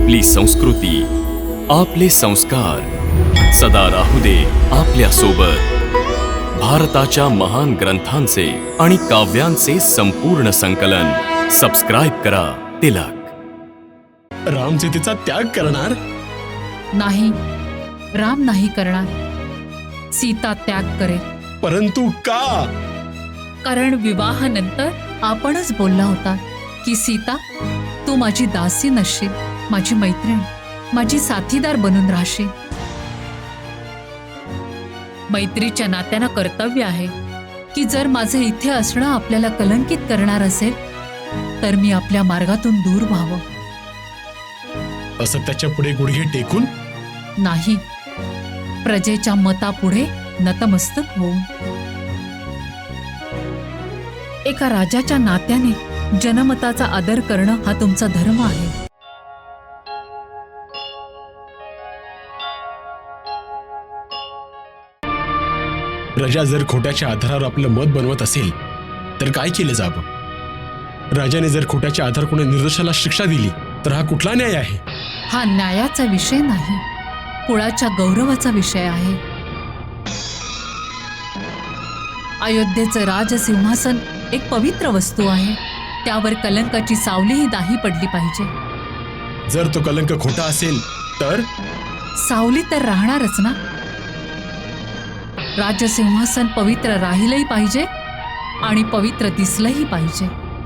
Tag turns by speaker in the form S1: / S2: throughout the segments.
S1: आपली संस्कृती, आपले संस्कार सदा राहू दे आपल्या सोबत। भारताच्या महान ग्रंथांचे आणि काव्यांचे संपूर्ण संकलन सबस्क्राइब करा तिलक।
S2: रामसीतेचा त्याग करणार
S3: नाही, राम नाही करणार, सीता त्याग करेल।
S2: परंतु का?
S3: कारण विवाहानंतर आपणच बोलला होता की सीता, तू माझी दासी नसशील, माझी मैत्रीण, माझी साथीदार बनून राहशील। मैत्रीच्या नात्यानं कर्तव्य आहे की जर माझे इथे असणं आपल्याला कलंकित करणार असेल तर मी आपल्या मार्गातून दूर व्हावं।
S2: असं त्याच्या पुढे गुडघे टेकून
S3: नाही, प्रजेच्या मतापुढे नतमस्तक होऊन। एका राजाच्या नात्याने जनमताचा आदर करणं हा तुमचा धर्म आहे।
S2: प्रजा जर खोट्याच्या आधारावर आपलं मत बनवत असेल तर काय केलं जावं? राजाने जर खोट्याच्या आधार कोणी निर्दोषाला शिक्षा दिली तर हा कुठला न्याय आहे?
S3: हा न्यायाचा विषय नाही, कुळाच्या गौरवाचा विषय आहे। अयोध्येचं राजसिंहासन एक पवित्र वस्तू आहे, त्यावर कलंकाची सावलीही नाही पडली पाहिजे।
S2: जर तो कलंक खोटा असेल तर
S3: सावली तर राहणारच ना। राजसिंहासन पवित्र राहिलंही पाहिजे आणि पवित्र दिसलंही पाहिजे।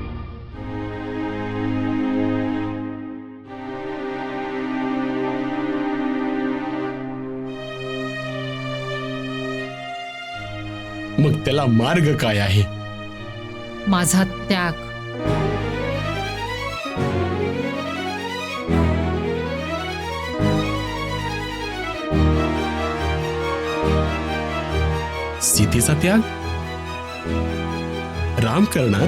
S2: मग त्याला मार्ग काय आहे?
S3: माझा त्याग।
S2: सीतेचा त्याग राम करणार?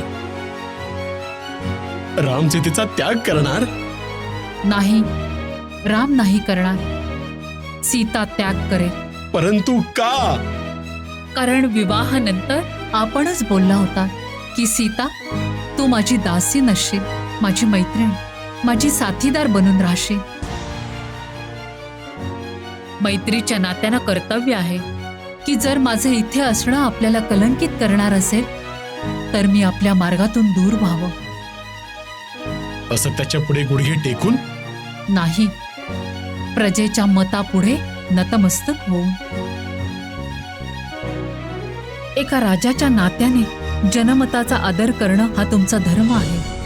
S2: राम सीतेचा त्याग करणार?
S3: नाही, राम नाही करणार, सीता त्याग करेल।
S2: परंतु का?
S3: कारण विवाहानंतर आपणच बोलला होता की सीता, तू माझी दासी नसशील, माझी मैत्रीण, माझी साथीदार बनून राहशील। मैत्रीच्या नात्यानं कर्तव्य आहे की जर माझे इथे असणं आपल्याला कलंकित करणार असेल तर मी आपल्या मार्गातून दूर व्हावं।
S2: असं त्याच्या पुढे गुडघे टेकून
S3: नाही, प्रजेच्या मतापुढे नतमस्तक होऊन। एका राजाच्या नात्याने जनमताचा आदर करणं हा तुमचा धर्म आहे।